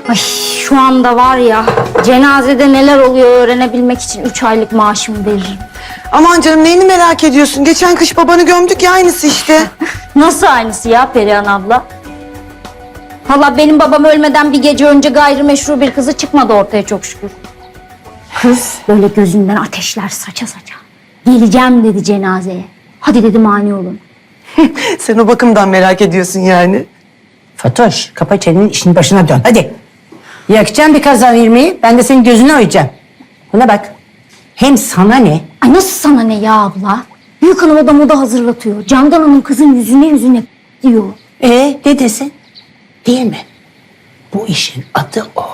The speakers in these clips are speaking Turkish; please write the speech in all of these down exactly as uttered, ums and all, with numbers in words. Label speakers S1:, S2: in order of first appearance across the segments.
S1: Ay şu anda var ya, cenazede neler oluyor öğrenebilmek için üç aylık maaşımı veririm.
S2: Aman canım neyini merak ediyorsun? Geçen kış babanı gömdük ya aynısı işte.
S1: Nasıl aynısı ya Perihan abla? Valla benim babam ölmeden bir gece önce gayrimeşru bir kızı çıkmadı ortaya çok şükür. Kız böyle gözünden ateşler saça saça. Geleceğim dedi cenazeye. Hadi dedi mani olun.
S2: Sen o bakımdan merak ediyorsun yani.
S3: Fatoş, kapa çeneni, işin başına dön. Hadi. Yakacağım bir kazan irmiği, ben de senin gözüne oyacağım. Buna bak. Hem sana ne?
S1: Ay nasıl sana ne ya abla? Büyük hanım odamı da hazırlatıyor. Candan Hanım kızın yüzüne yüzüne diyor.
S3: Ee, ne desin? Değil mi? Bu işin adı o.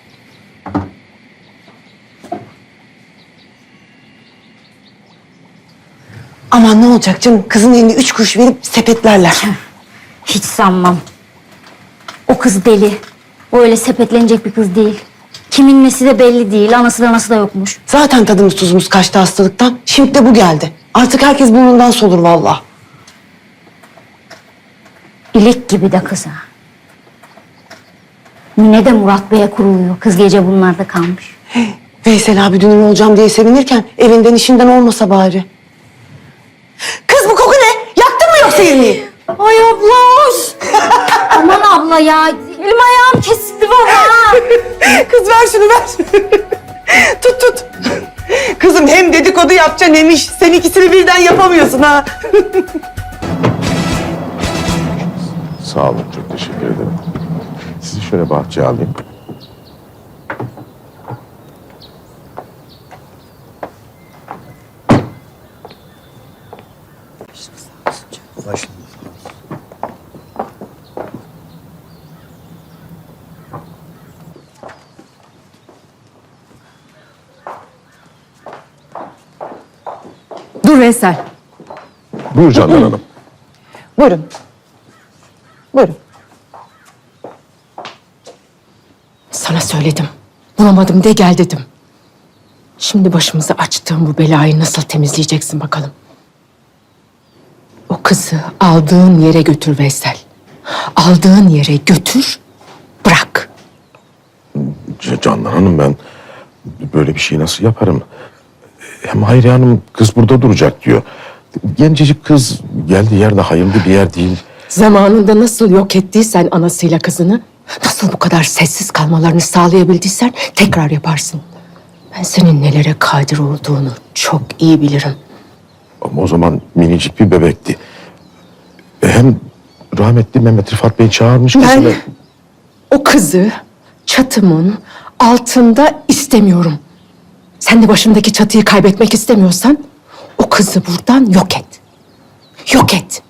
S2: Aman ne olacak canım? Kızın eline üç kuruş verip sepetlerler.
S1: Hiç sanmam. O kız deli. O öyle sepetlenecek bir kız değil. Kimin nesi de belli değil. Anası da anası da yokmuş.
S2: Zaten tadımız tuzumuz kaçtı hastalıktan. Şimdi de bu geldi. Artık herkes burnundan solur vallahi.
S1: İlik gibi de kız ha. Mine de Murat Bey'e kuruluyor. Kız gece bunlarda kalmış.
S2: Veysel abi dünür olacağım diye sevinirken evinden işinden olmasa bari. Kız bu koku ne? Yaktın mı yoksa irmiği?
S1: Ay abla. Aman abla ya. Elim ayağım kesildi valla.
S2: Kız ver şunu ver. Tut tut. Kızım hem dedikodu yapacaksın hem iş. Sen ikisini birden yapamıyorsun ha.
S4: Sağ olun, çok teşekkür ederim. Sizi şöyle bahçeye alayım.
S5: Dur Veysel.
S4: Buyur Candan Hanım.
S2: Buyurun. Buyurun.
S5: Sana söyledim. Bulamadım de gel dedim. Şimdi başımıza açtığım bu belayı nasıl temizleyeceksin bakalım. O kızı aldığın yere götür Veysel. Aldığın yere götür, bırak.
S4: C- Candan Hanım, ben böyle bir şeyi nasıl yaparım? Hem Hayriye Hanım kız burada duracak diyor. Gencecik kız geldiği yerde hayırlı bir yer değil.
S5: Zamanında nasıl yok ettiysen anasıyla kızını, nasıl bu kadar sessiz kalmalarını sağlayabildiysen tekrar yaparsın. Ben senin nelere kadir olduğunu çok iyi bilirim.
S4: Ama o zaman minicik bir bebekti. E, Hem rahmetli Mehmet Rıfat Bey çağırmış
S5: Ben
S4: kızını.
S5: o kızı çatımın altında istemiyorum. Sen de başındaki çatıyı kaybetmek istemiyorsan o kızı buradan yok et. Yok et.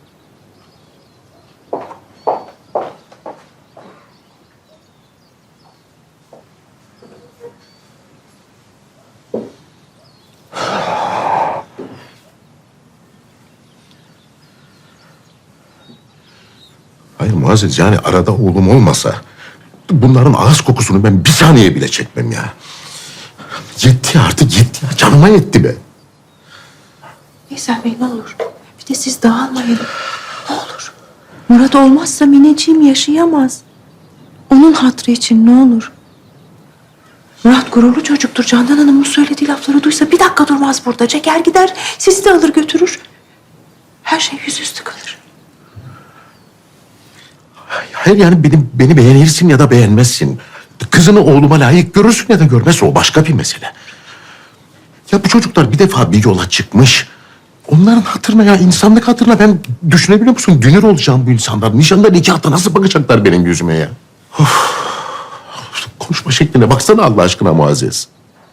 S4: Hayır Muazzez, yani arada oğlum olmasa bunların ağız kokusunu ben bir saniye bile çekmem ya. Yetti artık, yetti ya. Canıma yetti be.
S6: Veysel Bey ne olur. Bir de siz dağılmayın. Ne olur. Murat olmazsa Mineciğim yaşayamaz. Onun hatırı için ne olur. Murat gururlu çocuktur. Candan Hanım'ın söylediği lafları duysa bir dakika durmaz burada. Çeker gider, sizi de alır götürür. Her şey yüzüstü kalır.
S4: Hayır yani beni, beni beğenirsin ya da beğenmezsin. Kızını oğluma layık görürsün ya da görmezsin, o başka bir mesele. Ya bu çocuklar bir defa bir yola çıkmış. Onların hatırına, ya insanlık hatırına, ben düşünebiliyor musun? Dünür olacağım bu insanlar. Nişanda nikahta nasıl bakacaklar benim yüzüme ya? Of. Konuşma şekline baksana Allah aşkına Muazzez.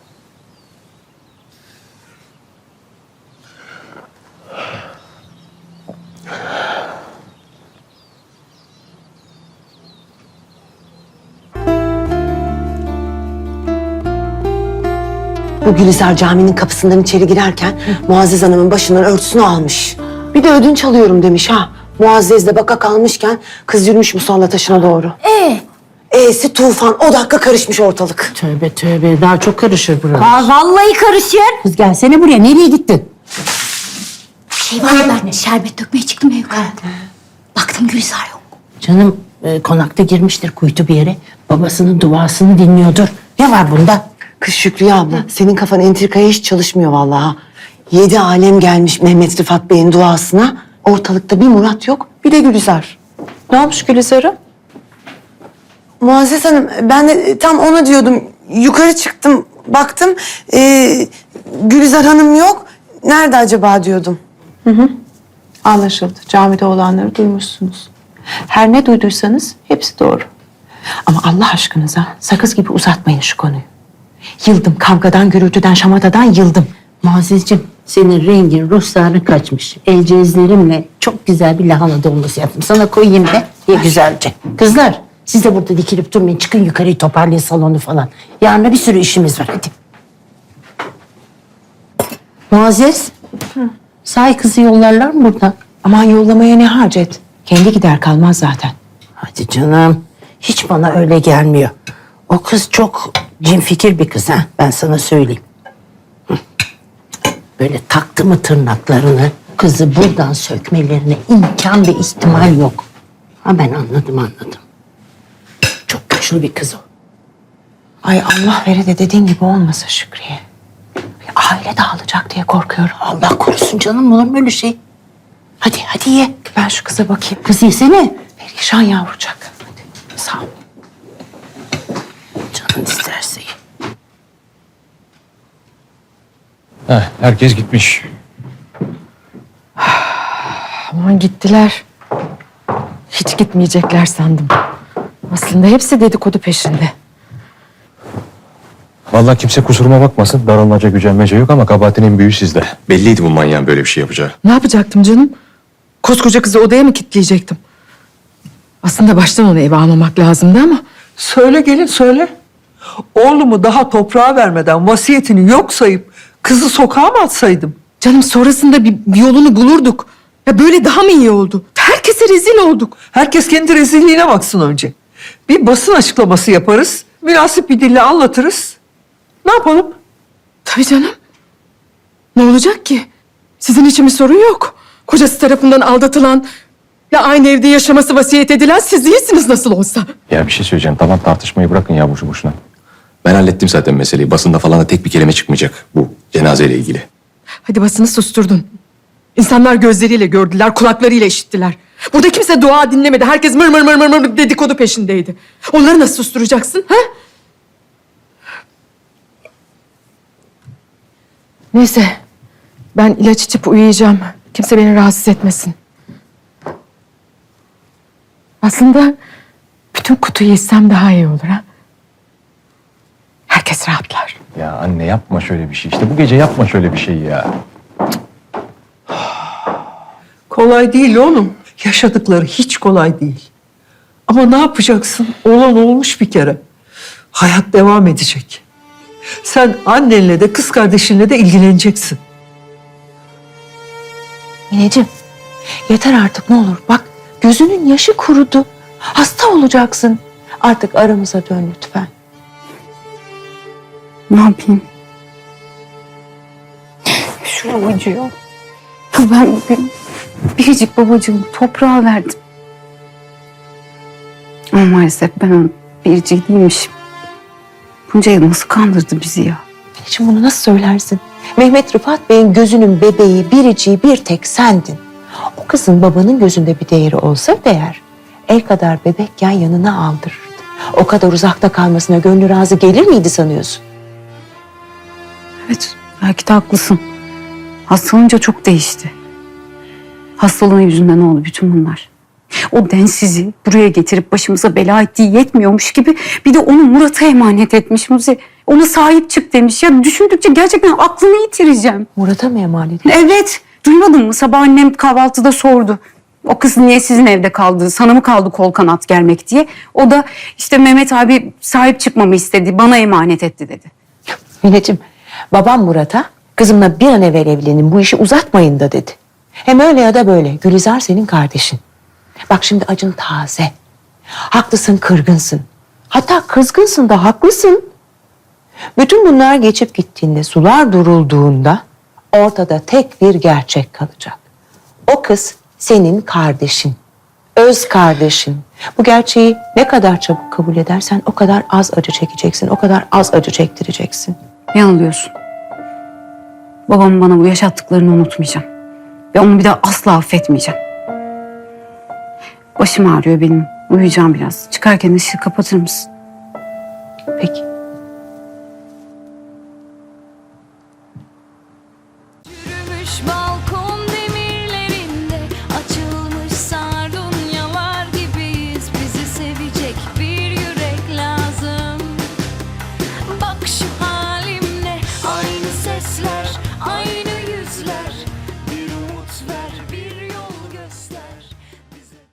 S2: Bu Gülizar Camii'nin kapısından içeri girerken Muazzez Hanım'ın başından örtüsünü almış. Bir de ödünç alıyorum demiş ha. Muazzez de baka kalmışken kız yürümüş musalla taşına doğru.
S1: Ee?
S2: E'si tufan, o dakika karışmış ortalık.
S3: Tövbe tövbe, daha çok karışır burası.
S1: Aa, vallahi karışır.
S3: Kız gelsene buraya, nereye gittin?
S1: Bir şey var ya, ben şerbet dökmeye çıktım ya yukarı. Baktım Gülizar yok.
S3: Canım e, konakta girmiştir kuytu bir yere. Babasının duasını dinliyordur. Ne var bunda?
S2: Kız Şükriye abla, senin kafan entrikaya hiç çalışmıyor vallahi. Yedi alem gelmiş Mehmet Rıfat Bey'in duasına. Ortalıkta bir Murat yok, bir de Gülizar.
S6: Ne olmuş Gülizar'a?
S2: Muazzez Hanım, ben de tam ona diyordum. Yukarı çıktım, baktım. Ee, Gülizar Hanım yok. Nerede acaba diyordum.
S6: Anlaşıldı. Camide olanları duymuşsunuz. Her ne duyduysanız hepsi doğru. Ama Allah aşkınıza sakız gibi uzatmayın şu konuyu. Yıldım kavgadan, gürültüden, şamatadan yıldım.
S3: Muazzezciğim, senin rengin, ruhsarın kaçmış. El cezlerimle çok güzel bir lahana dolması yaptım. Sana koyayım da ye güzelce. Kızlar, siz de burada dikilip durmayın. Çıkın yukarıyı toparlayın salonu falan. Yarına bir sürü işimiz var, hadi. Muazzez, sahi kızı yollarlar mı buradan?
S6: Aman yollamaya ne hacet? Kendi gider kalmaz zaten.
S3: Hadi canım, hiç bana öyle gelmiyor. O kız çok cimfikir bir kız ha, ben sana söyleyeyim. Hı. Böyle taktı mı tırnaklarını, kızı buradan sökmelerine imkan ve ihtimal yok. Ha ben anladım anladım. Çok güçlü bir kız o.
S6: Ay Allah vere de dediğin gibi olmasa Şükriye. Aile dağılacak diye korkuyorum.
S3: Allah korusun canım, olur mu öyle şey? Hadi hadi ye.
S6: Ben şu kıza bakayım.
S3: Kız yesene.
S6: Perişan yavrucak. Hadi sağ ol.
S3: Canın isterse ye.
S7: Heh, herkes gitmiş.
S5: Aman gittiler. Hiç gitmeyecekler sandım. Aslında hepsi dedikodu peşinde.
S7: Vallahi kimse kusuruma bakmasın. Darılmaca, gücenmece yok ama kabahatin en büyüğü sizde.
S8: Belliydi bu manyağın böyle bir şey yapacağı.
S5: Ne yapacaktım canım? Koskoca kızı odaya mı kilitleyecektim? Aslında baştan onu eve almamak lazımdı ama...
S9: Söyle gelin söyle. Oğlumu daha toprağa vermeden vasiyetini yok sayıp kızı sokağa mı atsaydım?
S5: Canım sonrasında bir, bir yolunu bulurduk. Ya böyle daha mı iyi oldu? Herkese rezil olduk.
S9: Herkes kendi rezilliğine baksın önce. Bir basın açıklaması yaparız. Münasip bir dille anlatırız. Ne yapalım?
S5: Tabii canım. Ne olacak ki? Sizin için bir sorun yok. Kocası tarafından aldatılan ve aynı evde yaşaması vasiyet edilen siz değilsiniz nasıl olsa.
S7: Ya bir şey söyleyeceğim. Tamam tartışmayı bırakın ya boşu boşuna.
S8: Ben hallettim zaten meseleyi. Basında falan da tek bir kelime çıkmayacak bu cenazeyle ilgili.
S5: Hadi basını susturdun. İnsanlar gözleriyle gördüler, kulaklarıyla işittiler. Burada kimse dua dinlemedi. Herkes mır mır mır mır mır dedikodu peşindeydi. Onları nasıl susturacaksın? Ha? Neyse. Ben ilaç içip uyuyacağım. Kimse beni rahatsız etmesin. Aslında bütün kutuyu yesem daha iyi olur ha. Herkes rahatlar.
S7: Ya anne yapma şöyle bir şey. İşte bu gece yapma şöyle bir şey ya.
S9: Kolay değil oğlum. Yaşadıkları hiç kolay değil. Ama ne yapacaksın? Olan olmuş bir kere. Hayat devam edecek. Sen annenle de kız kardeşinle de ilgileneceksin.
S6: Mineciğim yeter artık ne olur. Bak gözünün yaşı kurudu. Hasta olacaksın. Artık aramıza dön lütfen.
S1: Ne yapayım? Şuram acıyor. Ben bugün biricik babacığımı toprağa verdim. Ama maalesef ben onun biriciği değilmişim. Bunca yıl nasıl kandırdı bizi ya?
S6: Mineciğim bunu nasıl söylersin? Mehmet Rıfat Bey'in gözünün bebeği, biriciği bir tek sendin. O kızın babanın gözünde bir değeri olsaydı eğer, el kadar bebekken yanına aldırırdı. O kadar uzakta kalmasına gönlü razı gelir miydi sanıyorsun?
S1: Evet, belki de haklısın. Hastalanınca çok değişti. Hastalığın yüzünden oldu bütün bunlar. O densizi buraya getirip başımıza bela ettiği yetmiyormuş gibi bir de onu Murat'a emanet etmiş Muzi. Ona sahip çık demiş. Ya düşündükçe gerçekten aklımı yitireceğim.
S6: Murat'a mı emanet?
S1: Evet, duymadın mı? Sabah annem kahvaltıda sordu. O kız niye sizin evde kaldı? Sana mı kaldı kol kanat gelmek diye. O da işte Mehmet abi sahip çıkmamı istedi. Bana emanet etti dedi.
S6: Mineciğim, babam Murat'a kızımla bir an evvel evlenin bu işi uzatmayın da dedi. Hem öyle ya da böyle Gülizar senin kardeşin. Bak şimdi acın taze. Haklısın, kırgınsın. Hatta kızgınsın da haklısın. Bütün bunlar geçip gittiğinde, sular durulduğunda ortada tek bir gerçek kalacak. O kız senin kardeşin. öz kardeşin. Bu gerçeği ne kadar çabuk kabul edersen o kadar az acı çekeceksin, o kadar az acı çektireceksin.
S10: Yanılıyorsun. Babamın bana bu yaşattıklarını unutmayacağım. Ve onu bir daha asla affetmeyeceğim. Başım ağrıyor benim. Uyuyacağım biraz. Çıkarken ışığı kapatır mısın?
S6: Peki.
S11: Yürümüş balkon